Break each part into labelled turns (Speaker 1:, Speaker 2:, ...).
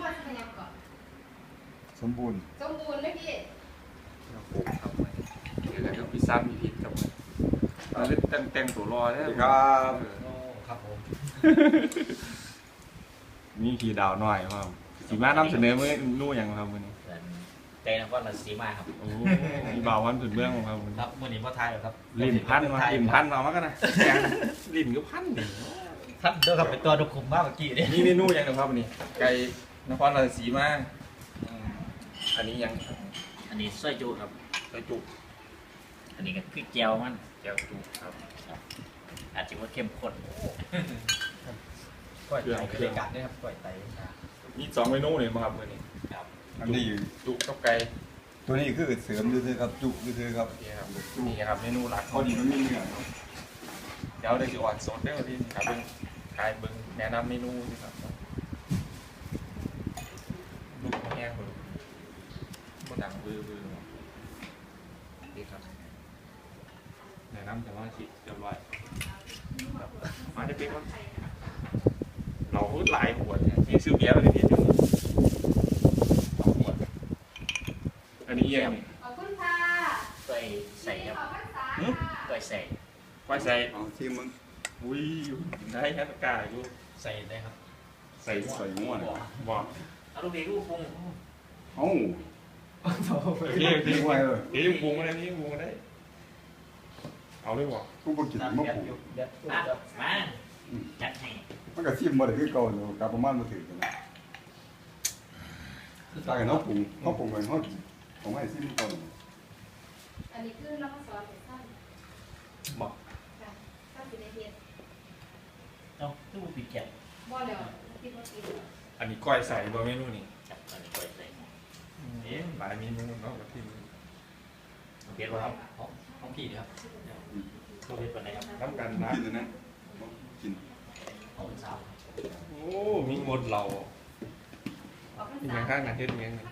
Speaker 1: ว่าจะเป็นยังก่อน
Speaker 2: สมบูรณ์
Speaker 1: ไหมพี่
Speaker 3: เราปลูกทำไมเดี๋ยวเราพิซซ่ามีพิษกับมันเราเล่นแต่งตัวรอได้
Speaker 2: ครับ
Speaker 4: ครับผม
Speaker 3: มีขี่ดาวหน่อยครับสีมานำเสนอเมื่อนู่อย่างครับวันนี้
Speaker 4: ใจนักว่าเราสีมาครับ
Speaker 3: โอ้มีบ่าววันสุดเรื่องของครับ
Speaker 4: ครับมื่อนี้พ่อทายครับ
Speaker 3: ลิ่นพันมาลิ่นพันมากันนะลิ่นก็พันดิ
Speaker 4: ท่านเดินกับเป็นตัวดุคุมมากเมื่อกี้เนี่ย
Speaker 3: นี่เมนูยังนะครับวันนี้ไก่นครราชสีมาอันนี้ยัง
Speaker 4: อันนี้ซอยจุครับ
Speaker 3: ซอยจุ
Speaker 4: อันนี้ก็คือแจวมัน
Speaker 3: แจวจุครับ
Speaker 4: อาจจะว่าเข้มข้นก้อยไตเครื่องกัดนี่ครับก้อยไต
Speaker 3: มี2 เมนูเลยมาครับวันนี้
Speaker 4: ครับ
Speaker 2: อันนี้
Speaker 3: จุกับไก่
Speaker 2: ตัวนี้คือเสริมด้วยครับจุด้วยครับ
Speaker 3: นี่ครับนี่ครับเมนูหลัก
Speaker 2: พอดีมันมีเนื้อ
Speaker 3: เดี๋ยวจะอ่อนสดได้ที่ครับเป็นขายเบิ้งแนะนำเมนูนี่ครับลูกแห้งคนบนหนังบื้อนี่ครับแนะนำแต่ว่าชิเรียบร้อยมาจะเป็นว่าเราหลายขวดนี่ซื้อเบียร์มาเลยพี่ขวดอันนี้ยัง
Speaker 1: ขอบคุณค่ะ
Speaker 4: ก้อยใส่ครับก้อยใส่
Speaker 3: ก้อยใส่
Speaker 2: ที่มึง
Speaker 3: อุ้ยได้แค่ตะกร้าอยู่
Speaker 4: ใส่ได้ครับ
Speaker 3: ใส่ง่วงบอก
Speaker 4: เอาลูกเด็กลูกปรุง
Speaker 2: เอ้า
Speaker 3: พี่ไว้เลยพี่ปรุงอะไรพี่ปรุงอะไรเอาเลยบอก
Speaker 2: กูบอกกินมะปู
Speaker 4: มาจัดให้
Speaker 2: มันก็ชิมมาเลยคือเก่าอยู่กับประมาณมาถึงนะตายกันเขาปรุงไปเขาผมให้ชิมก่อน
Speaker 1: อันนี้คือน้ำซอสสั้น
Speaker 3: บอก
Speaker 1: สั้นสีในเทียน
Speaker 4: เนาะตู้ปีเจ็บ
Speaker 1: บ่เดี๋ยวคิดว่ากิน
Speaker 3: อันนี้ก้อยใส่บะเมนูนี่
Speaker 4: จับอันนี้ก้อยใส่
Speaker 3: หลายเมนูเนาะกับที่
Speaker 4: เพียรครับห้องพี่ครับตัวเพียรเป็นไงครับ
Speaker 3: น้ำกันนะ
Speaker 2: กินนะกิน
Speaker 4: ห้องสาว
Speaker 3: โอ้มีหมดเราที่ยังข้างกันเทศเมียง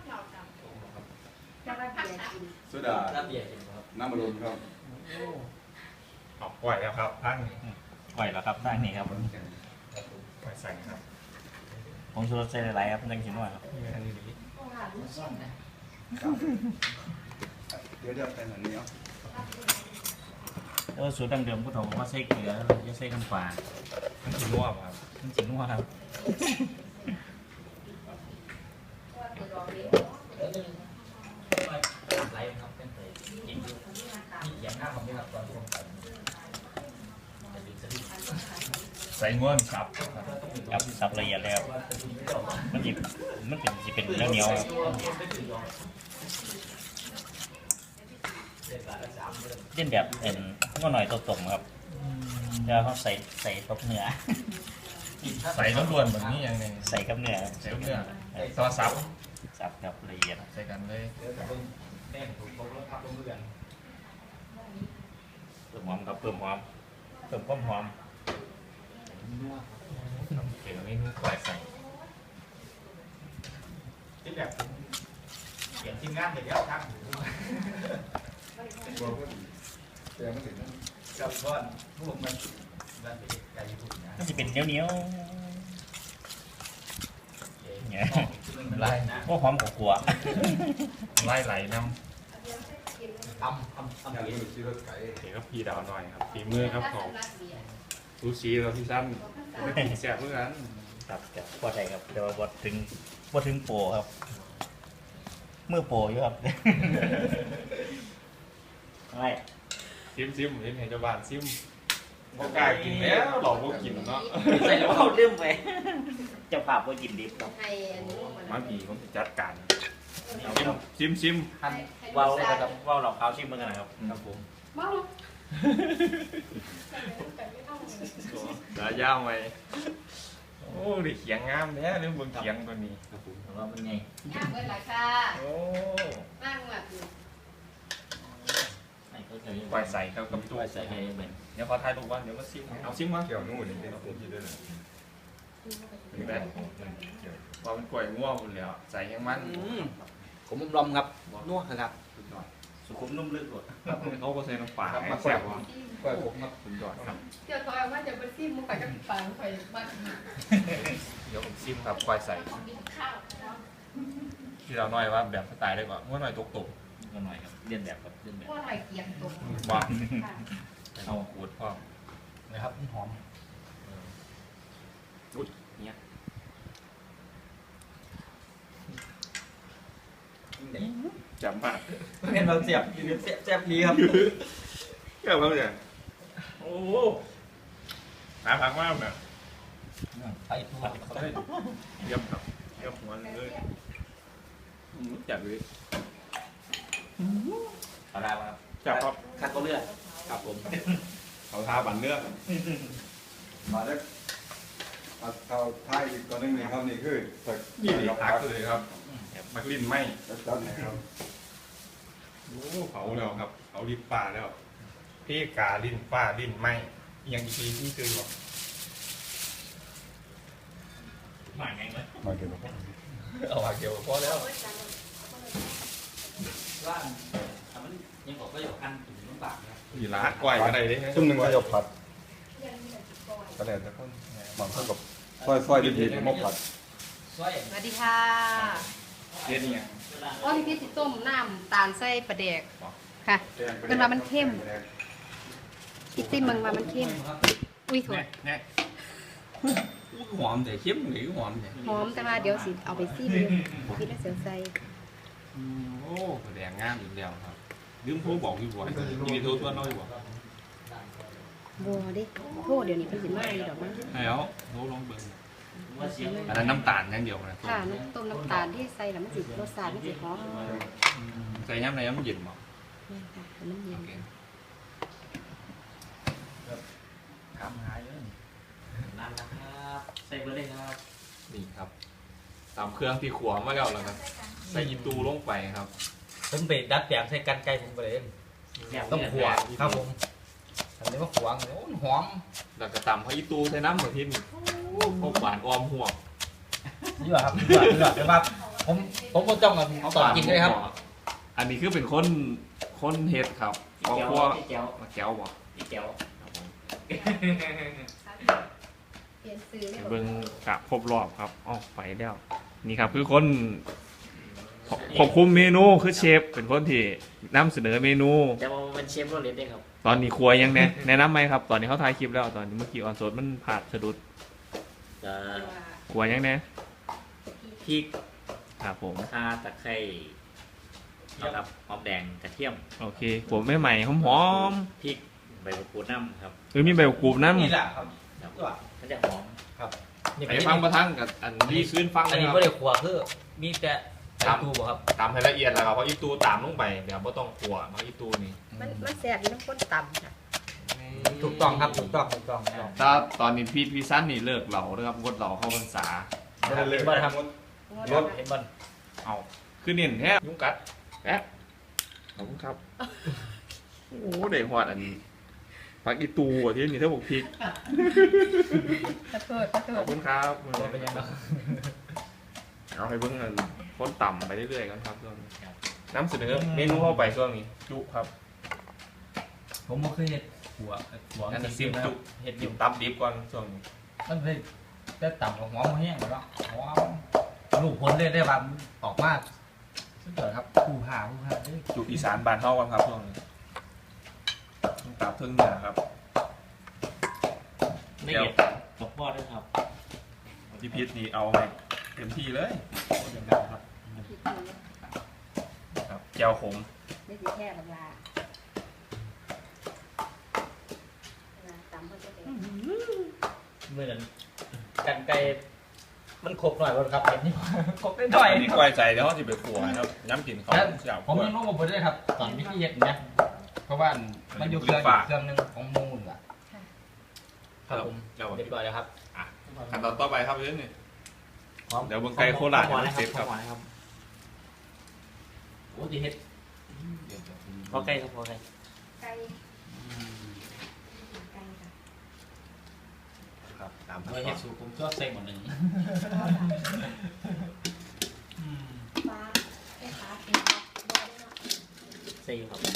Speaker 2: โซดา
Speaker 4: น้ำเบียร์กินครับ
Speaker 2: น้ำมันลมครับ
Speaker 3: ออกก่อยแล้วครับตั้ง
Speaker 4: ก่อยแล้วครับตั้งนี่ครับ
Speaker 3: ก่อยใส่ครับ
Speaker 4: ผมชวนใส่หลายๆครับยังกินหน่อยครับ
Speaker 3: อันนี้ดี
Speaker 2: เดี๋ยวแต่งอันนี้
Speaker 4: แล้วสูตรดั้งเดิมผู้ถมว่าใส่เกลือจะใส่น้ำปลา
Speaker 3: มันจีนัวครับ
Speaker 4: มันจีนัวครับไหลครับเป็นไปกินอยู่นี่อย่างหน้าผมนี่ครับตอนที่ผม
Speaker 3: ใส่ง่วงสับ
Speaker 4: ครับสับละเอียดแล้วมันเป็นเนื้อเหนียวเล่นแบบก็หน่อยตัวตรงครับแล้วเขาใส่กับเนื้อ
Speaker 3: ใส่ต้องรวนแบบนี้อย่างนึง
Speaker 4: ใส่กับเนื้อ
Speaker 3: ใส่กับเนื้อซอส
Speaker 4: สับกับละเอียด
Speaker 3: ใส่กันเลย
Speaker 4: แน่นถูกต้องแล้วครับเพื่อนเพิ่มหอมครับเพิ่มความหอม
Speaker 3: เกี่ยวกับเมนูก่อยใส่
Speaker 4: ที่แบบเขียนทีมงานเดี๋ยวครับกับก้อนพวกมันไก่ญี่ปุ่นนะมันจะเป็นเหนียวเนี่ย
Speaker 3: ไล่
Speaker 4: พวกหอมกลัว
Speaker 3: ไล่ไหลน้
Speaker 4: ำ
Speaker 3: เดี๋ยวก็พี่ดาวหน่อยครับฝีมือครับของซูชิเราที่ซ้ำไม่กินแซ่บเมื่อนั้น
Speaker 4: ครับจะพอใจครับแต่ว่าบดถึงโปครับเมื่อโปอยู่ครับอะไร
Speaker 3: ซิมเห็นเจ้าบ้านซิมโอกาสกินแล้วหลอกว่ากินเนาะ
Speaker 4: ใส่แล้วเขาลืมไปจะผ่าว่ากินดิบครับ
Speaker 3: มาผีผมจัดการซิม
Speaker 4: ว้าวครับว้าวหลอกเขาชิมเมื่อไงครับครับผม
Speaker 1: ว้าว
Speaker 3: đã giao mày ô đi khiển ngam thế nếu vương khiển con gì
Speaker 4: đó bên này
Speaker 1: ngam bên lại xa
Speaker 3: ô
Speaker 1: mang mặt
Speaker 3: quay sảy theo cấp
Speaker 4: quay sảy hay mình
Speaker 3: nếu có thay đồ quan nếu có sim áo sim quá kiểu nuôi để nó cũng gì đây này vào bên quầy mua một liệu sảy nhang mắn
Speaker 4: ผมลมครับนัวครับสุขุมนุ่มลึกกว่า
Speaker 3: เขาก็ใส่น้ำปลาให้แซ่บว่ะ
Speaker 2: ก้อยผมครับ
Speaker 3: สุดยอดครับ
Speaker 1: เดี๋ยวเขาเอาว่าจะไปซิมมุกไปกับปลาไปบ้าน
Speaker 3: เดี๋ยวผมซิมครับควายใส่
Speaker 1: ข้าว
Speaker 3: ที่เราหน่อยว่าแบบสไตล์ได้ก่อนว่าหน่อยตก
Speaker 4: ก็หน่อยครับเลียนแบบครับเลียนแบบ
Speaker 1: พวกหน่อยเกียงตก
Speaker 3: ๆว่าเอาขูดพ่อ
Speaker 4: นะครับหอม
Speaker 3: อุ้ยเนี่ย จับมาก
Speaker 4: เป็นเราเสียบเสียบดีครับ
Speaker 3: เกี่ยวกับเนี่ยโอ้หาผักมากเนี่ย
Speaker 4: ไปตัว
Speaker 3: เยี่ยมครับเยี่ยมหัวเลยจับเลย
Speaker 4: เอาได้ครับ
Speaker 3: จับครับ
Speaker 4: คัดก็เลือดครับผม
Speaker 3: เขาทาบันเนื้อ
Speaker 2: มาแล้วเอาท้ายอีกตัวนึงนี่ครับนี่คือสัก
Speaker 3: นี่ผักเลยครับมักลิ้นไหม
Speaker 2: จัดนะครับ
Speaker 3: โอ้เผาแล้วครับเผาลิ้นป่าแล้วพี่กาลิ้นป่าลิ้นไหมยังอีกทีที่คือบอก
Speaker 4: หมายไงไหม
Speaker 2: มาเก็บครับ
Speaker 3: เอาผักเดียวพอแล้ว
Speaker 4: ว่ามันยังบอกก็อยู่อันถึงลำบากนะครับ
Speaker 3: มีร้านกล้วยก็ได้เด้
Speaker 2: ซุ่มหนึ่งก็จะผัด
Speaker 1: ยังมีแต่ก้อย
Speaker 2: ก็ได้แต่คนบางคนกับซอยดีๆมาผัด
Speaker 4: ซอย
Speaker 1: สวัสดีค่ะ
Speaker 3: เฮ็ดเนี่ย
Speaker 1: อ๋อนี่พี่สิต้มน้ำตาลใส่ปลาแดกค่ะ เป็นว่ามันเข้ม พี่ซิมมึงว่ามันเข้มอุ้ยถั่ว
Speaker 3: เนี่ย
Speaker 4: หอมแต่เข้มหรือหอมเนี่ย
Speaker 1: หอมแต่ว่าเดี๋ยวสิเอาไปซิมอยู่พี่แล้วเสียวใส่
Speaker 3: โอ้แดงงามอีกแล้วครับลืมโทรบอกอยู่บ่มีโทรตัวน้อยบ่
Speaker 1: บัวดิโทษเดี๋ยวนี้เพิ่นสิมาอีดอกมั้ง
Speaker 3: แล้วโทรลองเบิ่งอันนั้นน้ำตาลอย่างเดียวนะ
Speaker 1: ค่ะน้ำต้มน้ำตาลที่ใส่แล้วมันสิรสชาติมันสิหอม
Speaker 3: ใส่ย้ำในย้ำเย็นบ่
Speaker 1: แม่นค่ะให้มันเย็
Speaker 3: โอน เค
Speaker 4: ทำหายเลยนั่นนะครับใส่เบอร์เลยครับ
Speaker 3: นี่ครับตามเครื่องที่ขัวมาแล้วครับใส่ยีตูลงไปครับ
Speaker 5: ผมไปดัดแปลงใส่กันไก่ผมไปเลยต้องขวางครับผมอันนี้ว่าขวางโอ้หอม
Speaker 3: แล้วก็ตำให้ยีตูใส่น้ำเหมือนที่นี่พวกหวานออมหัว
Speaker 5: นี่ว่าครับนี่ว่าแต่ว่าผมก็จ้องกับตอนกินเลยครับ
Speaker 3: อันนี้คือเป็นคนเฮ็ดครับครอบครัว
Speaker 4: พี่แก้ว
Speaker 3: มาแก้วบ่
Speaker 4: พี่แก้ว
Speaker 3: ครับผม
Speaker 1: เปลี่ยนซื้อได้
Speaker 3: เบิ่งกะครบรอบครับอ๋อไปแล้วนี่ครับคือคนควบคุมเมนูคือเชฟเป็นคนที่นำเสนอเมนู
Speaker 4: แต่ว่ามันเชฟโรเลตได้ครับ
Speaker 3: ตอนนี้ครัวยังแนะนำไหมครับ ตอนนี้เขาถ่ายคลิปแล้วตอนนี้เมื่อกี้ออนโซดมันผ่านสะดุด
Speaker 4: จะ
Speaker 3: ครัวยังแน่
Speaker 4: พริก
Speaker 3: ครับผม
Speaker 4: ข่าตะไคร้นะครับหอมแดงกระเทียม
Speaker 3: โอเคผมไม่ใหม่หอม
Speaker 4: พริกใบมะกรูดน้ำครับ
Speaker 3: ๆมีใบกรูดน้ำ
Speaker 5: นี่แหละครับ
Speaker 4: ครับ
Speaker 5: นี่ว่า
Speaker 4: มันจะหอม
Speaker 5: นี่
Speaker 3: ไปฟังประทังกับอันนี้ขึ้นฟัง
Speaker 5: อัน
Speaker 3: เลย
Speaker 5: นี้
Speaker 3: ครับ
Speaker 5: ไม่ได้ขวางคือมีแต่ไก่ตูบ่ครับ
Speaker 3: ตามให้ละเอียดแล้วครับเพราะอีตูตามลงไปเดี๋ยวไม่ต้องกลัวเพราะอีตูนี่
Speaker 1: มันแซ่บอยู่น้ำข้นต่ำค่ะ
Speaker 5: ถูกต้องครับถูกต้อง
Speaker 3: ถ้าตอนนี้พี่สั้นนี่เลิกเหล่าแล้วครับงดเหล่าเข้าพรรษา
Speaker 2: ไม่ได้เลย
Speaker 5: มาทำ
Speaker 1: งด
Speaker 5: เห็นมัน
Speaker 3: เอาคือเน้นแทบยุงกัดแป๊บขอบคุณครับโอ้โหเด็กหอดอันผักอีตูอ่ะที่นี่ถ้าบอกพริก
Speaker 1: ขอโทษขอโท
Speaker 3: ขอ
Speaker 1: ษ
Speaker 3: บคุณครับ
Speaker 5: เป็นยังไง
Speaker 3: เอาให้เบิ่งกันพ้นต่ำไปเรื่อยๆกันครับช่วงนี้น้ำเสนอเมนูเข้าไปช่วงนี้จุครับ
Speaker 5: ผมไม่เคยเห็ดขวาง
Speaker 3: อันนี้ซิมจุ
Speaker 5: เห็ดอ
Speaker 3: ดิ
Speaker 5: ยู่
Speaker 3: บตับดิบก่อนช่วงนี้
Speaker 5: มันเลยได้ต่ำของหอมแห้งแล้วหอมลูกผลเลยได้แบบออกมาสุดยอดครับผู้ผ่าเด้
Speaker 3: จุอีสานบานเท่ากันครับช่วงนี้ตับเทิงเหนือครับ
Speaker 4: ไม่เห็ดกับพ่อด้วยครับ
Speaker 3: พี่พิษนี่เอาไปเต็มที่เลยครับครับแก้วขม
Speaker 1: ไม่สิแค่บักลาต่ำเพิ่นจะเป็น
Speaker 5: เมื่อนั้นกันไก่มันครบหน่อยบ่ครับเห็นนี่ ครบได้หน่อย
Speaker 3: อันนี้กล้วยใจเดี๋ยวเขาจะไปขัวนะครับน้ำกินเขาอยาก
Speaker 5: ผมยังรู้มาได้ครับ ตอนนี้ที่เห็ดนะเพราะว่ามันอยู่เครื่องนึงของมูลอ่ะครับผม
Speaker 3: เดี๋ยว
Speaker 5: เรียบร้อยแล้วครับ
Speaker 3: ขั้นตอนต่อไปครับเรื่องนี้
Speaker 5: พร้อม
Speaker 3: เดี๋ยวเบิ่งไก่โคราช
Speaker 4: พอ
Speaker 3: เดี๋ยว
Speaker 4: นะ
Speaker 3: เซฟ
Speaker 4: ค
Speaker 3: ค
Speaker 4: รั
Speaker 3: รั
Speaker 4: บบ พอนะครับโอ้ดีเห็ดพอใกล้ครับพอใกล้
Speaker 1: ไก่ไก่ค่ะ
Speaker 3: ครับตาม
Speaker 5: เมื่อเห็ดสูผมชอบใส่หมดหนึ่ง
Speaker 1: ฟ้าไอ้ฟ้าเป็นฟ้าบ่ได้เนาะ
Speaker 4: ใส่ครับ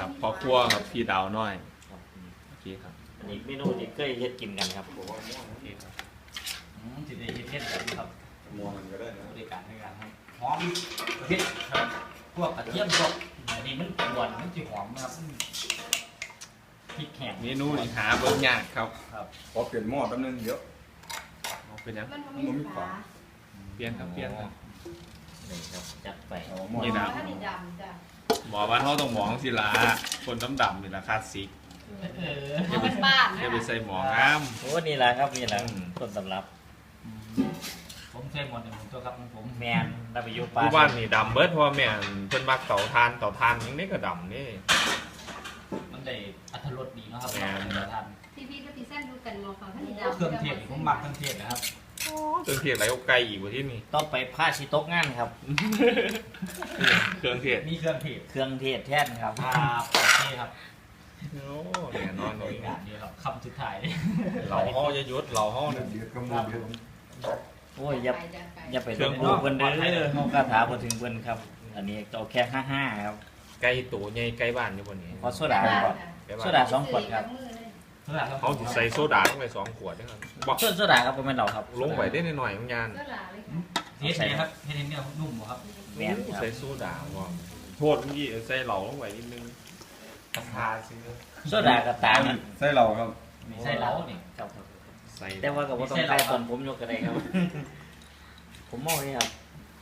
Speaker 3: ครับพอครัวครับพี่ดาวน้อย
Speaker 4: ครับ
Speaker 3: โอเคครับ
Speaker 4: อันนี้เมนูที่เคยเฮ็ดกินกันครับ
Speaker 3: โอเคครับ
Speaker 5: จิตใจเย็นๆแบบนี้ครับ
Speaker 2: มัวมันก็ได้นะ
Speaker 5: บริการในการให้หอมเผ็ดครับพวกกระเทียมพวกอันนี้มันหวานมันจะหอมนะครับพริกแห้ง
Speaker 3: เมนูนี่หาเบิ่งยากครับ
Speaker 5: ครับ
Speaker 2: ขอเปลี่ยนหม้อแป๊บนึงเดี๋ยว
Speaker 3: เป็นยัง
Speaker 1: มันบ่มีฝา
Speaker 3: เปลี่ยนครับเปลี่ยนครับ
Speaker 4: นี่ครับจัดไป
Speaker 2: เอาหม้อ
Speaker 3: นี่นะ
Speaker 1: ถ้านี่ดำจ้ะ
Speaker 3: หมอบ้านเขาต้องหมองสิละคนดำๆนี่ละคลาสสิก
Speaker 1: เอาเป็นบ้าน
Speaker 3: อย่าไปใส่หมองงาม
Speaker 4: โอ้นี่แหละครับนี่แหละ
Speaker 3: อืม
Speaker 4: ต้นตำรับ
Speaker 5: ผมใช้หมดในผมตัวครับของผม
Speaker 4: แมนได้ไปอยู่ป่า
Speaker 3: ผู้บ้านนี่ดำเบิดเพราะว่าแม่นเพิ่นมักเต่าทานยังได้ก็ดำนี่
Speaker 5: มันได้อัตรสดีเนาะครับ
Speaker 3: แม่น
Speaker 5: เวลาทาน
Speaker 1: ที่พี่ก็ตีเส้นดูกันมองเขาถ้านี่ดำ
Speaker 5: เครื่องเทศนี่ผมหมักเครื่องเทศนะครับ
Speaker 3: เครื่องเทศไรเอาไก่อีกว่าที่นี่
Speaker 4: ต้องไปผ้าชิโต๊ะงานครับ
Speaker 3: เครื่องเทศ
Speaker 5: มีเครื่องเทศ
Speaker 4: เครื่องเทศแท่นครับ
Speaker 5: ครับโอเคครับ
Speaker 3: โอ้เนี่ยนอนเลย
Speaker 5: งานเดียวครับคำสุดท้าย
Speaker 3: เราห้อจะยุดเราห้อ
Speaker 2: เดื
Speaker 3: เนี่
Speaker 2: อย ดก็มือเดือด
Speaker 4: โอ้ยอย่า
Speaker 1: จะไป
Speaker 4: อย่าไปต้องดูเพิ่นเด้อเฮาคาถาบ่ถึงเพิ่นครับ อันนี้เอาแค่55ครับ
Speaker 3: ไก่ตัวใหญ่ไก่บ้านอยู่บนนี้
Speaker 4: ขอโซดาก่อน
Speaker 3: ไก่
Speaker 4: โซ
Speaker 3: บ้าน
Speaker 4: ดา2ขวดครับ
Speaker 3: เขาสิใส่โซดาลงไป2 ขวดนะครับบอก
Speaker 4: โซดาครับบ่แม่นเราครับ
Speaker 3: ลงไปได้หน่อยๆของยาน
Speaker 1: ก็หลาเลย
Speaker 5: เฮ็ดไงครับเฮ็ดให้เนื้อนุ่มบ่ครับ
Speaker 4: แม่นครับ
Speaker 3: ใส่โซดาบอกโทษเมื่อกี้ใส่เหล่าลงไปนิดนึงกระทาซื้อ
Speaker 4: โซดากระตางนะ
Speaker 2: ใส่เราครับ
Speaker 5: มีไส้เหลานี่
Speaker 4: ครับ
Speaker 3: ใส่
Speaker 4: แต่ว่าก็บ่ต้องใส่ตอนผมยกก็ได้ครับ ผมมองนี่ครับ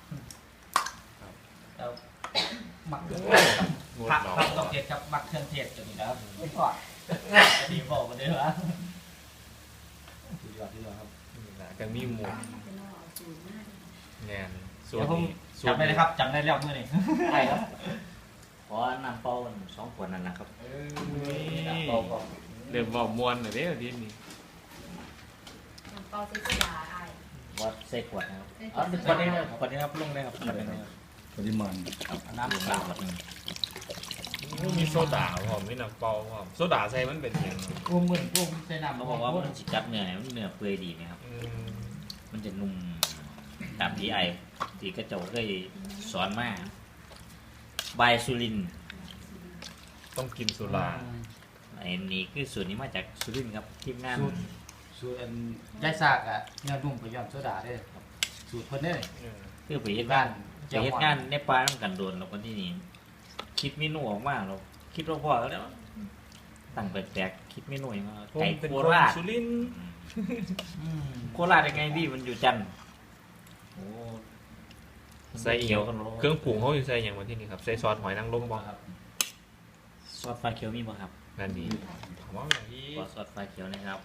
Speaker 5: แล้วหมักเครื่อง
Speaker 3: ง
Speaker 5: ผั
Speaker 3: ด
Speaker 5: ก
Speaker 3: เรา
Speaker 5: ผักต้องเทศครับหมักเครื่องเทศตัวนี้นะครับไม่พอดีบอกมาได้เหรอดีกว่าครับ
Speaker 3: ก็มีหมูแงนส่ว
Speaker 5: เดี๋
Speaker 3: น
Speaker 5: ยวผม
Speaker 3: นี้
Speaker 5: จำได้เลยครับจำได้แล้วเมื่อนี้
Speaker 4: ใช่ครับ ขอน้ำเปล่า2ขวดนั่นนะครับน้ำเปล่าก็
Speaker 3: เริ่มบอกมวนเลยเนี่ยทีนี้
Speaker 1: เปาซิสดาไอ
Speaker 4: วัดใส่ขวดนะครับอ๋อขวดนี้นะครับขวดนี้ครับลงได้ครับขวดนี้นะครับ
Speaker 2: ปริมาณ
Speaker 5: น้ำ
Speaker 4: ลง
Speaker 5: เป
Speaker 4: ได้
Speaker 5: ล่า
Speaker 4: ขวดหนึง
Speaker 3: มีโซดาพร้อมมีน้ำเปล่าพร้อมโซดาใส่มันเป็นอย่าง
Speaker 5: กุ้งเหมือนกุ้งใส่น้ำ
Speaker 4: เขาบอกว่ามันจิกัดเนื้อเนี่ยมันเนื้อเปื่อยดีนะครับ มันจะนุ่มตามที่ที่กระเจ้าเคยสอนมาบายสุรินทร์
Speaker 3: ต้องกินสุรา
Speaker 4: ไอ้นี่คือส่วนนี้มาจากสุรินทร์ครับทีมงาน
Speaker 5: สูตรย่ายซากอ่ะเนื้อนุ่มไปย้อนโซดาได้สูตรเพิ่นได้
Speaker 4: คือไปเฮ็ดงานในป่าต้องกันโดนเราคนที่นี่คิดเมนูออกมาเราคิดว่าพอแล้วตั้งแปลกๆคิดเมนูอย่างว่า
Speaker 3: ผม
Speaker 4: ไก่
Speaker 3: เป็น
Speaker 4: โค
Speaker 3: คน
Speaker 4: ราช
Speaker 3: สุรินทร์
Speaker 4: โคราชยังไงพี่มันอยู่จันทร์โอ้
Speaker 3: ใส่เอียวเครื่องปรุงเขาอยู่ใส่อย่างวันที่นี่ครับใส่ซอสหอยนางรมบ่
Speaker 5: ครับ
Speaker 4: ซอสฟ้าเขียวมีบ่ครับ
Speaker 3: นั่นดีถามว่าอย่างที่
Speaker 4: ขอซอสฟ้าเขียวนะครับ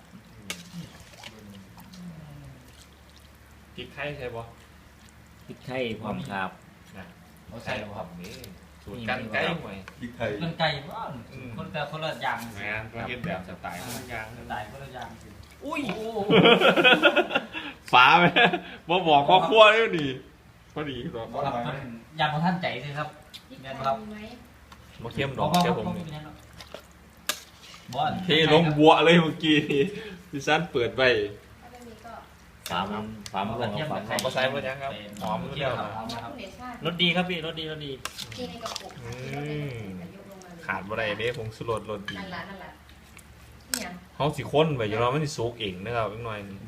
Speaker 3: พริกไทยใช่บ่
Speaker 4: พริกไทยพร้อมครับ
Speaker 5: เขาใส่แล้วครับ
Speaker 3: นี่สูตรกันไก่หน่อย
Speaker 2: พริกไทย
Speaker 5: เงินไก่บ้านคนแต่คนละอย่าง
Speaker 3: งานก็เฮ็ดแบบสไตล์ทุกอย่าง
Speaker 5: ตายคนละอย่าง
Speaker 3: อุ้ยฟ้าไหมบ่บอกครอบครัวเลยนี่พอดีครับ
Speaker 5: ครับยามของท่านใจสิครับ
Speaker 1: ที่ไทยมีไหม
Speaker 3: มาเข้มดอกแค่ผมนี่
Speaker 5: บอล
Speaker 3: เทลงบัวเลยเมื่อกี้นี่พี่ซันเปิดไป
Speaker 1: ถ้าไม่มีก็
Speaker 4: ฟาร์มรวมกับฟาร์มไทย
Speaker 3: ก็ใส่หมดยังครับหอม
Speaker 5: เที่
Speaker 3: เที่
Speaker 5: ย
Speaker 3: ยว ว
Speaker 5: ค
Speaker 3: ค
Speaker 5: รั
Speaker 3: รั
Speaker 5: บบ
Speaker 1: คุณเดชาติ
Speaker 4: รสดีครับพี่รสดี
Speaker 1: ที่ในกระปุก
Speaker 3: ขาดบ่ได้เด้ผงสุรสรสดี
Speaker 1: นั่นแหละเนี่ย
Speaker 3: เฮาสิค้นไว้อยู่แล้วมันสิสุกเองนะครับอีกหน่อยนึง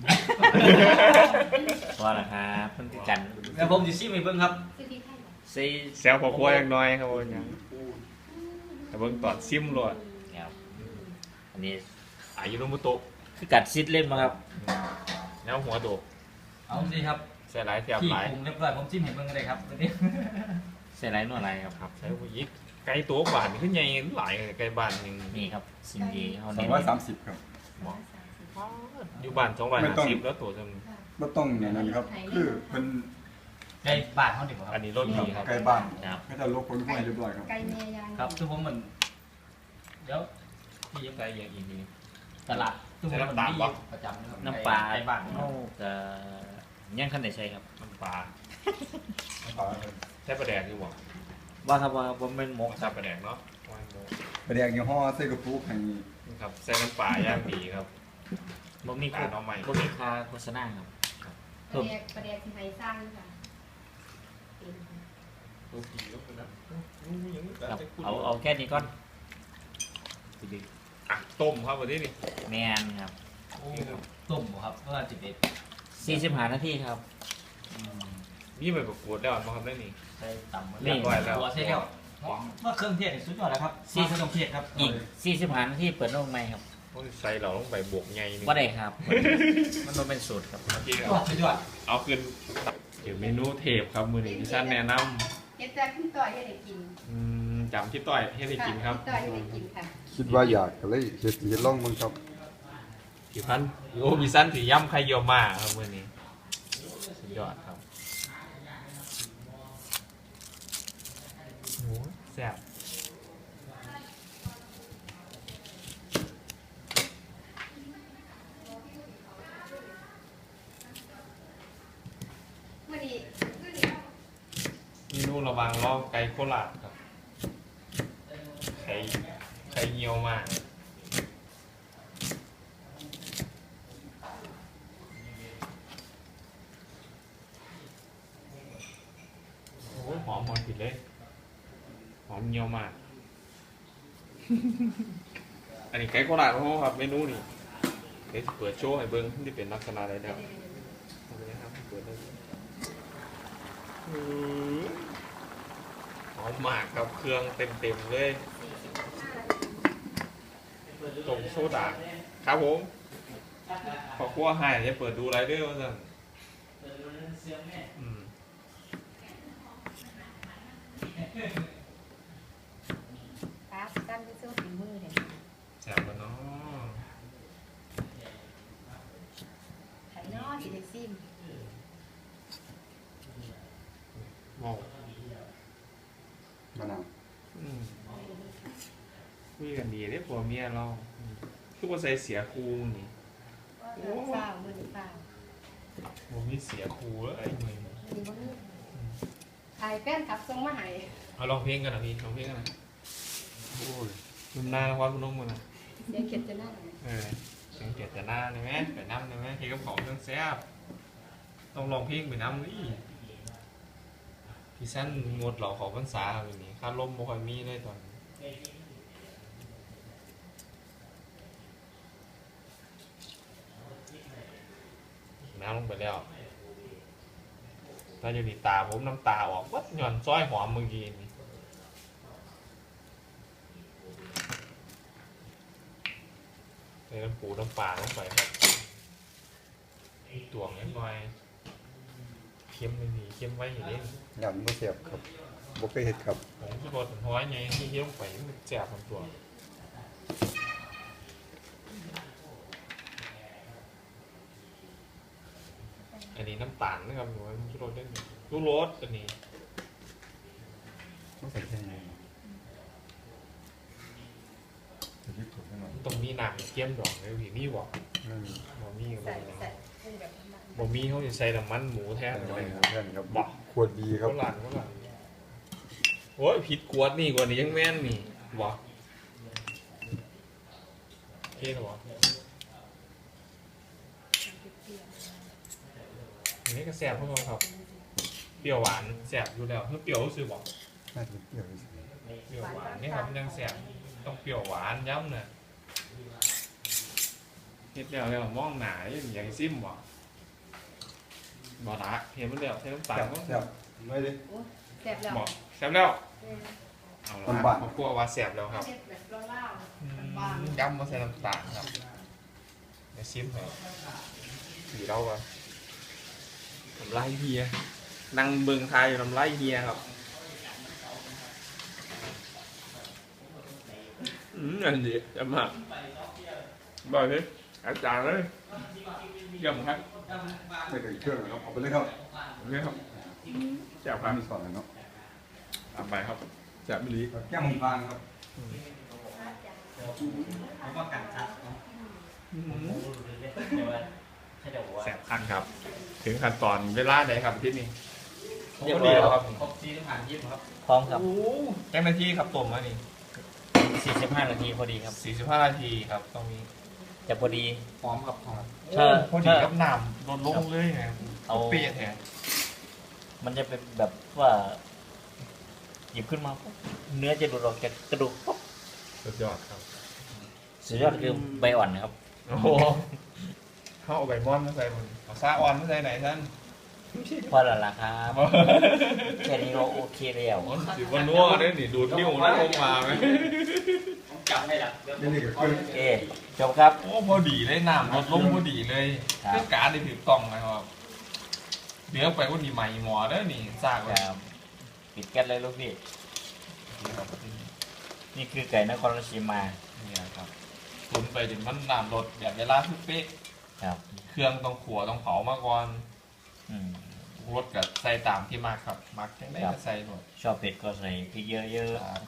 Speaker 4: พอละครับเพิ่นคือกัน
Speaker 5: แล้วผมจะซิมให้เบิ่งครับ
Speaker 1: ซื้อที่ไทย
Speaker 4: ซี
Speaker 3: แซวครอบครัวอย่างน้อยครับว่าหยังแต่เบิ่งตอนซิมโลด
Speaker 4: ครับอันนี้
Speaker 3: อายุโนมุโตะ
Speaker 4: คือกัดซิดเล่นมาครับ
Speaker 3: แนวหัวโดก
Speaker 5: เอาสิครับ
Speaker 3: ใส่หลายแถบ
Speaker 5: ที่
Speaker 3: หลาย
Speaker 5: ปรุงเรียบร้อยผมซิมให้เบิ่งก็ได้ครับวันนี้
Speaker 4: ใส่ไรนวดอะไรครับ
Speaker 3: ครับใส่ผู้ยิกไก่ตัวบ้านนี่คือใหญ่หลายไก่บ้านหนึง
Speaker 4: นี่ครับสิ่งดีเขา
Speaker 2: สอ
Speaker 4: เน้
Speaker 2: ง
Speaker 4: น
Speaker 2: ร้อยสามสิบครับ
Speaker 3: อยู่บ้าน250แล้วตัวจำ
Speaker 2: ไม่ต้องอย่างนั้นครับ คือเป็น
Speaker 5: ไก่บ้านเขาดีกว่าค
Speaker 3: อั
Speaker 5: รั
Speaker 3: น
Speaker 5: บ
Speaker 3: นี้รสดีครับ
Speaker 2: ไก่บ้าน
Speaker 4: ครับ
Speaker 2: ก็จะลบคนห้วยเรียบร้อยครับ
Speaker 1: ไก่เมียยัง
Speaker 5: ครับทุกผมเหมือนเดี๋ยวพี่ยัง
Speaker 3: ใส่อย่างอีกที
Speaker 5: ตลาดทุกคนมันมีประจำนะครับ
Speaker 4: น้ำปลา
Speaker 5: ไก่บ้าน
Speaker 4: เขาจะย่างขั้นไหนใช่ครับ
Speaker 3: น้ำปลาใส่ปลาแดกอยู่บ่
Speaker 4: ว่าครับว่าผมเป็นหมกค
Speaker 3: ใส่
Speaker 4: รับ
Speaker 3: ปลาแดกเนาะวางโม
Speaker 2: ประเดี๋ยวยี่ห้อไส้กระปุกแห่งนี้
Speaker 3: ครับใส่น้ำปลาย่างดีครับ
Speaker 4: บ่มี
Speaker 3: การเอาใหม่
Speaker 4: บ่มีค่าโฆษณาครับ
Speaker 1: ประเดี๋ยวที่ไทยสร้างค่ะ
Speaker 3: รสดีแล้วนะ
Speaker 4: ครับเอาแค่นี้ก่อน
Speaker 3: อ่ะต้มครับวันนี้นี่
Speaker 4: แมนครับ
Speaker 5: ต้มครับก็จะเป็น
Speaker 4: 45 นาทีครับ
Speaker 3: นี่ไปประกวดแล้วมาครับได้นี่
Speaker 5: ใส่ตำ
Speaker 3: เรียบร้อยแล้ว
Speaker 5: ตัวใส่แล้วว่าเครื่องเทศสุดยอดแล้วครับซีเครื่องเทศครับ
Speaker 4: อีก 45 นาทีเปิดโลกใหม่ครับ
Speaker 3: ต้องใส่เราต้องไปบวกไงนี่
Speaker 4: ว่าได้ครับ มันต้องเป็นสูตรครับ
Speaker 3: โอเคค
Speaker 5: ย
Speaker 3: รั
Speaker 5: อบ ดสุดยอด
Speaker 3: เอาขึ้นเดี๋ยวเมนูเทปครับมือนี้ที่ท่านแนะน
Speaker 1: เฮ็ดแต่ขึ้นต่อยให้ได้กิน
Speaker 3: ำจำที่ต่อยให้ได้กินครับ
Speaker 1: ต่อยให้ได้กินค่ะ
Speaker 2: คิดว่าอยากก็เลยเฮ็ดลองมึงครับ
Speaker 3: กี่พันโอ้มีสั้นถือย่ำไข่เยี่ยวมาครับมือนี้สุดยอดครับโอ้แซ่บ
Speaker 1: มื้อนี้
Speaker 3: เมนูระวังล่อไก่โคราชครับไข่เยี่ยวมาโอ้ยหอมผิดเลยหอมเยี่ยวมาก อันนี้ไก่โคราชของเขาครับเมนูนี่เดี๋ยวจะเปิดโชว์ให้เบิ้งที่เป็นลักษณะอะไรเดี๋ยวเอาไปนะครับเปิดได้เลยหอมมากครับเครื่องเต็มๆเลยตรงโซดาครับผมขอคั่วให้จะเปิดดูไรเดอร์ว่าสั่นอืม
Speaker 1: ครับตั้งที่สู้ฝีมือเด้
Speaker 3: แซ่บกันเนาะ
Speaker 1: ไข่น้อสิได้ซิม
Speaker 3: มอง
Speaker 2: มะนาว
Speaker 3: คุยกันดีได้ผัวเมียเราคือว่าใส่เสียครูนี่
Speaker 1: เปล่ามื้อนี้เปล่า
Speaker 3: ผมมีเสียครูแล้วไอ้เมย์
Speaker 1: มื้อนี้บ่มีถ่ายแฟนคลับส่งมาให้
Speaker 3: เอาลองเพลงกันนะพี่ลองเพลงกันนะ
Speaker 2: โอ้ย
Speaker 3: นุ่มหน้าแล้วว่าคุณนุ่มกันนะ
Speaker 1: เดี๋ยวเก็บจะหน้า
Speaker 3: เสียงเกียรติหน้าได้ไหมไปน้ำได้ไหมเพลงกับของเครื่องแซ่บต้องลองเพลงไปน้ำนี่พี่สั้นงดเหล่าของพรรษาแบบนี้ค่าลมบ่ค่อยมีเลยตอนนี้น้ำลงไปแล้วถ้าจะดีตาผมน้ำตาออกวัดหย่อนซ้อยหอมเมื่อกี้นี่ใส่น้ำปูน้ำปลาลงไปครับตวงนิดหน่อยเค็มไม่มีเค็มไว้อย่างนี้
Speaker 2: ยำบ่เสียบครับบ่เคยเฮ็ดครับ
Speaker 3: ผมจะบอกถึงห้อยไงที่เยี่ยมไปมันแจกมันตัวอันนี้น้ำตาลนะครับหนูว่าชูรสได้ไหมชูรสอันนี้
Speaker 2: ต้องใส่แค่ไหนจะยึดถูกให้หน่อย
Speaker 3: ต้องมีหนังเกี้ยมดอกเลยพี่มีบอก
Speaker 2: ไม่มี
Speaker 3: บ่มีก็
Speaker 1: ใส่
Speaker 3: บ่มี
Speaker 1: ใส่ให้แบบนั้น
Speaker 3: บ่มีเขาจะใส่น้ำมันหมูแทน
Speaker 2: ใส่
Speaker 3: เล
Speaker 2: ไว้
Speaker 3: ย
Speaker 2: ครับเพื่อนครับขวดดีครับ
Speaker 3: เขาหลานโอ้ยผิดกวดนี่กว่านี้ยังแม่นนี่บอกโอเคหรออันนี้ก็แซ่บพวกเราครับ เปรี้ยวหวานแซ่บอยู่แล้วเพื่อเปรี้ยวรู้สึกบอก
Speaker 2: น่าจะเปรี้ยวที่สุด
Speaker 3: เปรี้ยวหวานนี่ครับยังแซ่บต้องเปรี้ยวหวานย้ำเนี่ยเฮ็ดแล้วมองหนาอย่างซิมบ่บ่ละเห็นมันแล้วใช้น้ำตาล
Speaker 2: แซ่บไม่ดิ
Speaker 1: แซ่บแล้ว
Speaker 3: บอกแซ่บแล้วเอาละ
Speaker 2: บ้านๆ
Speaker 3: ครอบครัวว่าแซ่บแล้วครับ
Speaker 1: เฮ็ดแบบเล่าๆบ้าน
Speaker 3: ย้ำมาใส่น้ำตาลครับเดี๋ยวซิมให้สีเราก่อนน้ำลายเฮียนั่งเบิ่งทายอยู่น้ำลายเฮียครับอันนี้จะมากบอกเลยอาจารย์เลยเยี่ยมครับ
Speaker 2: ไม่ถึงเครื่องนะครับเอาไปเลยครับ
Speaker 3: นี่ครับแจ่บค
Speaker 2: ร้า
Speaker 3: รั
Speaker 2: น
Speaker 3: บ
Speaker 2: มีสอนเลยเนาะ
Speaker 3: ตามไปครับแจ่บมิลิ
Speaker 2: แก้มพานครับ
Speaker 5: ผมว่ากันชัดเนาะใช่เดี๋ยวว่า
Speaker 3: แสบคันครับ ถึงขั้นตอนเวลาไหนครับที่นี่
Speaker 4: เรียบร้อยแล้วครับ
Speaker 5: ครบซีต้องผ่านยิ้มครับ
Speaker 4: พร้อมครับ
Speaker 3: โอ้แจ้งนาทีครับต้มมานี่
Speaker 4: 45 นาทีพอดีครับ
Speaker 3: 45 นาทีครับต้องมี
Speaker 4: จะพอดี
Speaker 5: พร้อมครับพร้อม
Speaker 4: ถ้า
Speaker 3: พอดีกับน้ำลดลงเลยไง
Speaker 4: เอา
Speaker 3: เปรี้ยแทน
Speaker 4: มันจะเป็นแบบว่าหยิบขึ้นมาปุ๊บเนื้อจะหลุดออกจากกระดูกปุ๊บ
Speaker 3: สุดยอดครับ
Speaker 4: อสุดยอดคือใบอ่อนนะครับ
Speaker 3: โอ้โหเขาเอาใบมอนมาใส่มันเอาซาอ่อนมาใส่ไหนท่าน
Speaker 4: พอแล้วล่ะครับแค่นี้ก็โอเคแล้ว
Speaker 3: สิวันนัวได้หนิดูดนิ้วนะลงมาไหม
Speaker 5: จับให้ละ
Speaker 2: นี่ก็คือ
Speaker 4: โอเคจบครับ
Speaker 3: โอ้พอดีเลยน้ำลดลงพอดีเลย
Speaker 4: ครับ
Speaker 3: เครื่องการได้ถือกล่องนะครับเดี๋ยวไปวันนี้ใหม่หมอเด้อนี่ซาก
Speaker 4: ค
Speaker 3: เลย
Speaker 4: รับปิดแก๊สเลยลูกพี่นี่คือไก่นครราชสีมา
Speaker 3: เนี่ยครับตุนไปจนมันน้ำลดแบบเวลาคือเป๊ะ
Speaker 4: ครับ
Speaker 3: เครื่องต้องขัวต้องเผามาก่อน
Speaker 4: อืม
Speaker 3: รสกับใส่ตามที่มากครับมักจังได้ก็ใส่หมด
Speaker 4: ชอบเผ็ดก็ใส่พริกเยอะ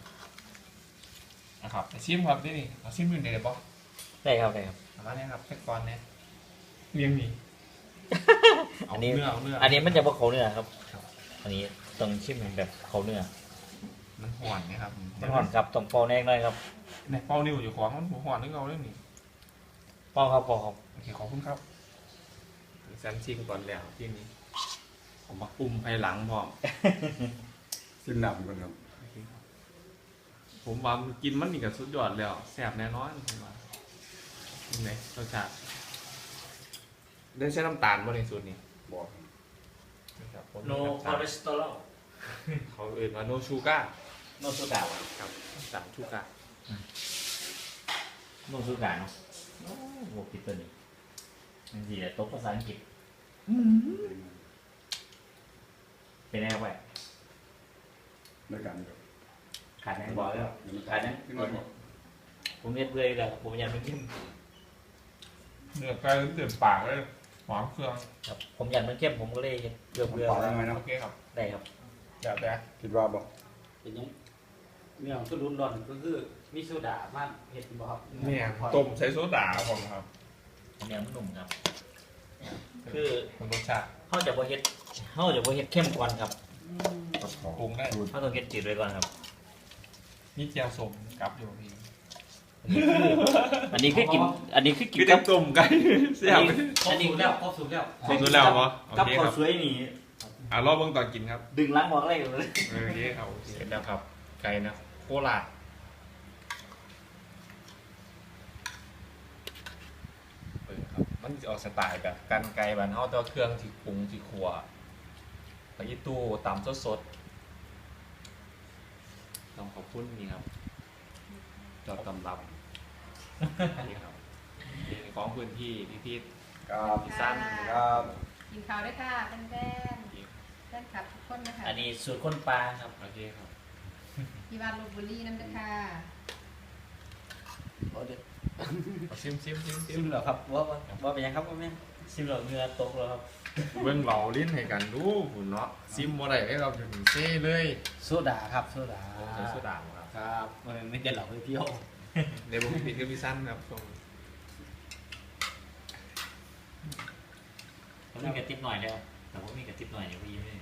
Speaker 3: นะครับไปชิมครับนี่นี่เอาชิมอยู่ในเลยปะ
Speaker 4: ๆได้ครับได้ครับ
Speaker 3: เอามาเนี่ยครับแค่ก่อนเนี่ยเลี้ยงนี่เอา
Speaker 4: อันนี้
Speaker 3: เนื้อเอาเนื้อ
Speaker 4: อันนี้มันจะเป็นเขาเนื้อครับ อันนี้ต้องชิมเป็นแบบเขาเนื้อ
Speaker 3: มันห่อนนะครับ
Speaker 4: มันห่อนครับต้องเป่าแน่หน่อยครับ
Speaker 3: ในเป้านิ้วอยู่ของมันห่อนนึกเอาเรื่องนี้
Speaker 4: เป่าครับเป่าครับ
Speaker 3: โอเคขอบคุณครับแซมชิมก่อนแล้วที่นี้ผมมาปุ่มภายหลังพร้อม
Speaker 2: ซิมหนับก่อนครับ
Speaker 3: ผมว่ามันกินมันนี่กับสุดยอดแล้วแซ่บแน่นอนผมว่าเป็นไงรสชาติได้ใช้น้ำตาลบ่ในสูตรนี้
Speaker 2: บอก
Speaker 3: นะครับผม
Speaker 4: โน
Speaker 3: มี
Speaker 4: คอ
Speaker 3: น้ำ
Speaker 4: เล
Speaker 3: ตาล
Speaker 4: สเตอรอล
Speaker 3: เขาเอ่ยว่าโนชูก้า
Speaker 4: โนสุกะ
Speaker 3: ครับน้ำตาลชูก้า
Speaker 4: โนสุกะเนาะโอ้โหผิดตัวนี้มันสิแต่ตกภาษาอังกฤษเป็นไงแหวะ
Speaker 2: ด้วยกันครับ
Speaker 4: ขาดแน่บอกแล้วขาดแน่
Speaker 2: ขึ้นมาบอก
Speaker 4: ผมเฮ็ดเบื่อเลยผมอยากมันเข้ม
Speaker 3: เนื้อไก่เต็มปากเลยหอมเครื่อง
Speaker 4: ครับผมอยากมันเข้มผมก็เลยเฮ็ดเบื่อ
Speaker 2: ปลาได้ไหมเนาะ
Speaker 3: โอเคครับ
Speaker 4: ได้ครับ
Speaker 3: เดี๋ยวแต่
Speaker 2: คิดว่าบอก
Speaker 5: เป็นยังเรื่องสุดรุนร้อนก็คือมีโซดามากเห็ดบ่ครับ
Speaker 3: เนี่ยต้มใส่โซดาครับผมครับ
Speaker 4: อันนี้มันหนุ่มครับ คือ
Speaker 3: มันรสชาติ
Speaker 4: เขาจะบ่เฮ็ดเข้มก่อนครับ
Speaker 3: ปรุงได้
Speaker 4: เขาต้องเฮ็ดจืดไว้ก่อนครับ
Speaker 3: นี่เจียวสมกับอยู่พี่
Speaker 4: อันนี้คือกิน
Speaker 3: คือ
Speaker 4: กั
Speaker 3: จะต้มไก่เสียบ
Speaker 5: อันนี้แล้วครบสุดแล้ว
Speaker 3: ครบสุดแล้วเหรอโอ
Speaker 4: กับ
Speaker 3: เค
Speaker 4: ข้า
Speaker 3: คว รับ
Speaker 4: สวยนี่
Speaker 3: รอบเบื้องตอนกินครับ
Speaker 4: ดึงล้างบอกเลย
Speaker 3: โอเคครับเสร็จแล้วครับ ไก่นะโคราชครับมันจะออกสไตล์แบบกันไก่บ้านเฮาแต่ว่าเครื่องที่ปรุงที่ครัวไปอีตู้ตำสดๆต้องขอบคุณนี่ครับจอดตำรับนี่ครับนี่ของพื้นที่พี่
Speaker 2: ครับ
Speaker 3: พี่สั้น
Speaker 2: ครับ
Speaker 1: กินข้าวด้วยค่ะแฟนแฟนคลับทุกคนนะคะ
Speaker 4: อันนี้สูตรคนปลาครับ
Speaker 3: โอเคครับ
Speaker 1: ที่บ้านลพบุรีนั่นนะคะ
Speaker 3: เอาซิม
Speaker 5: ซิมเหรอครับว่าเป็นยังครับว่าแม่
Speaker 4: ซิมเหล่าเนื้อตกแล้วครับ
Speaker 3: เบิ่งเหล่าลิ้นให้กันดูหุ่นเนาะซิมบ่ได้ให้เราจะถึงเซ่เลย
Speaker 5: โซดาครับโซดา
Speaker 3: ผมใช้โซดาครับ
Speaker 5: ครับมันไม่ได้หลอกให้เที่ยว
Speaker 3: ในวงผิดกับพี่สั้นครับส่ง
Speaker 4: ผมมีกระติบหน่อยแล้วแต่ผมมีกระติบหน่อยเดี๋ยวพี่ไม่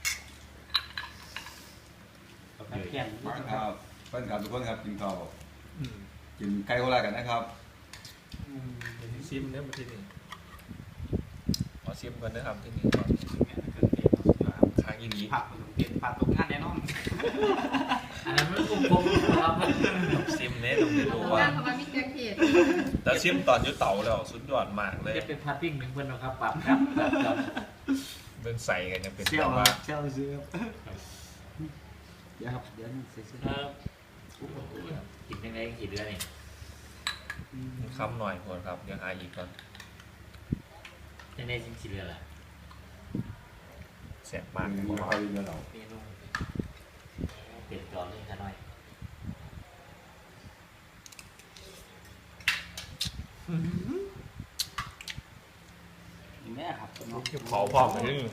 Speaker 5: แข่ง
Speaker 2: มาครับเพื่อนครับทุกคนครับกินข้าว
Speaker 3: อืม
Speaker 2: กินไก่โคราชกันนะครับ
Speaker 3: ซิมเนี่ยมาที่นี่ขอซิมก่อนนะครับที่นี่ก่อนค้างอีหลี
Speaker 5: ผักเปลี่ยนผักตรงงานแน่นอนอันนั้นมันคุ้มครับ
Speaker 3: ซิมเนี่ยต้องได้
Speaker 1: เพ
Speaker 3: รู้
Speaker 1: ราะ
Speaker 3: ว่า
Speaker 1: ว่าเขามามีเครื่องเทศ
Speaker 3: แต่ซิมตอนอยุเต่าแล้วสุดยอดมากเลย
Speaker 5: จะเป็นผัดปิ้งหนึ่งเพื่อนนะครับปรับครับ
Speaker 3: เบิ่งใส่กันยังเป็น
Speaker 5: เชี่ย
Speaker 3: แบ
Speaker 5: ว
Speaker 3: บว่า
Speaker 5: เชี่ยวซื้อเดี๋ยวครับเดี๋ยวเสร็จ
Speaker 4: ครับกินยังไงกี่เดือนนี่
Speaker 3: คำหน่อยคนครับยังอายอีกก่อน
Speaker 4: ยังไงจริงกี่เดือนละ
Speaker 3: แสบมาก
Speaker 2: มัน
Speaker 3: ผม
Speaker 2: ไม่
Speaker 3: ว่า
Speaker 2: ค่อยดีเรา
Speaker 4: เมนูเปลี่ยนจอเลยค่ะหน่อย
Speaker 5: แม่ครับ
Speaker 3: เผาพร้อมกันนึง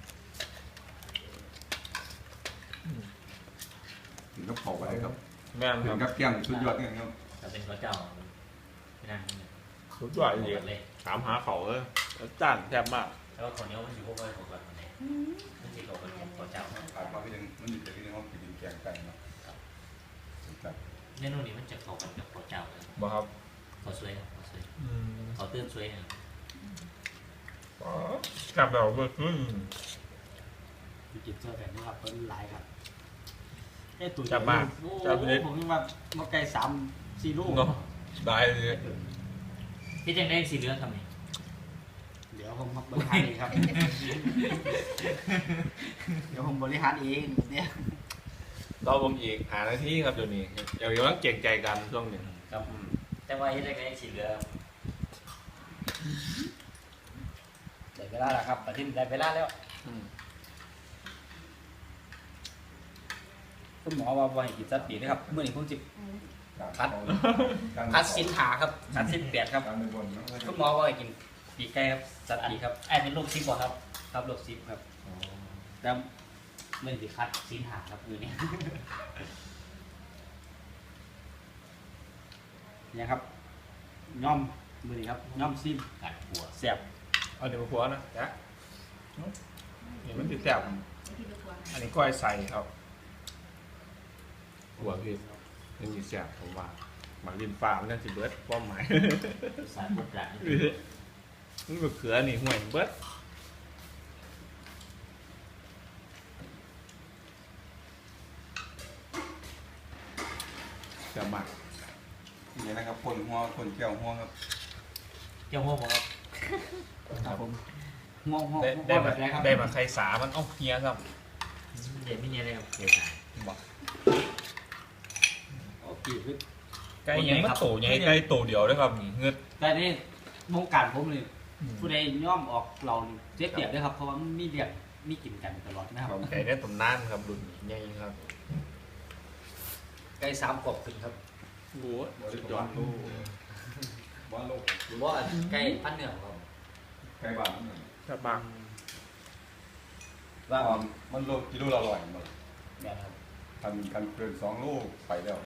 Speaker 2: ถึงกับเผาไปครับ
Speaker 3: แม่น
Speaker 2: ถึ
Speaker 3: ค
Speaker 2: ง
Speaker 3: รับ
Speaker 2: กับเกี้ยงสุดยอดเนี่ยครับ
Speaker 4: ถ้าเป็นข้าวเจ้าไม่นั่ง
Speaker 3: สุดยอดจริง
Speaker 4: เลย
Speaker 3: ถามหาเขาเลยจานแซ่บมาก
Speaker 4: แล้วก็คนนี้มันอยู่พวกเราของกันคนไหนมันจะกับคนข้าวเจ้า
Speaker 2: ผ่านมาพี่นึงมันมีแต่พี่นึงห้องกินแกงไก่เนาะครับ
Speaker 4: เมนูนี้มันจะเข้ากันกับข้าวเจ้าเลย
Speaker 3: บ่ครับ
Speaker 4: ข้าวสวยข้าวสวยข้าวตื้นสวยครับ
Speaker 3: กลับแบบเบิร์ขึ้น
Speaker 5: กินเจอแต่นี่ครับเป็นหลายครับผมว่ามาไก่3-4 ลูก
Speaker 3: เนาะได้เลย
Speaker 4: ที่จังได้สีเหลืองทำไง
Speaker 5: เดี๋ยวผมบริหารเองครับ เดี๋ยวผมบริหารเองเนี่ย
Speaker 3: รอผมอีกหาหน้าที่ครับเดี๋ยวนี้เดี๋ยวต้องเก่งใจกันช่วงหนึ่ง
Speaker 4: ครับแต่ว่าที่จังได้สีเหลือง
Speaker 5: ได้เวลาแล้วครับแต่ที่ได้เวลาแล้วคุณหมอว่าให้กินสัตว์ปีนะครับเมื่อนี้ผมจิบคัดสินหาครับคัดสินเปียดครับ
Speaker 2: การเป็นคนนะ
Speaker 5: คุณหมอว่าให้กินปีกไก่ครับสัตว์ปีครับ
Speaker 4: ไอ้เป็นลูกซิปบ่ครับ
Speaker 5: ครับโรคซิปครับแล้วเมื่อนี้คัดสินหาครับมือนี้เนี่ยครับย่อมมือนี้ครับย่อมซิม
Speaker 4: กัดหัว
Speaker 5: เสียบ
Speaker 3: เอาเดี๋ยวหัวนะจ๊ะเห็นมันติดแซ่บอันนี้ก้อยใส่ครับหัวพี่ยังมีแซ่บผมว่าหมักริมฟ้ามันนั่นสิเบิร์ดป้อมหมาย
Speaker 4: สารบุกหลัง
Speaker 3: นี่มะเขือนี่ห่วยเบิร์ดจะหมัก
Speaker 2: นี่นะครับคนหัวคนเกี่ยวหัวครับ
Speaker 4: เจ้าหัวบ่ครับ
Speaker 5: ครับผมงง
Speaker 3: ได้
Speaker 5: แบ
Speaker 3: มา
Speaker 5: บไหนครับ
Speaker 3: ได้มาใครสามันเอ้าเฮียครับ
Speaker 4: เดี๋ยวไม่เงี้ยเลยครับเดี๋ยวสาย
Speaker 3: บอก
Speaker 5: โอเคคือ
Speaker 3: ไก่ยังมันโตใหญ่ไก่โตเดียวด้วยครับนี่เงือด
Speaker 5: แต่นี่วงการผมเลยผู้ใดย่อมออกเรานี่เสียเปรียบด้วยครับเพราะว่ามีเรียกมีกินกันตลอดนะครับ
Speaker 3: ไก่ได้ตำนานครับรุ่นนี้ใหญ่ครับ
Speaker 5: ไก่3 ขวบขึ้นครับ
Speaker 3: โอ้ย
Speaker 2: บริ
Speaker 3: สุด
Speaker 2: ก
Speaker 3: ยอ
Speaker 2: ร
Speaker 3: ด
Speaker 2: ลูกบ้านลูก
Speaker 5: หรือว่าไก่พันเหนือครับ
Speaker 2: ไก่บ้านนั่น
Speaker 3: ถ้าบาง
Speaker 5: ว่า
Speaker 2: มันโลกิโลละ100หมด
Speaker 5: แบบครับ
Speaker 2: กันเกิน2 ลูกไปแล้ว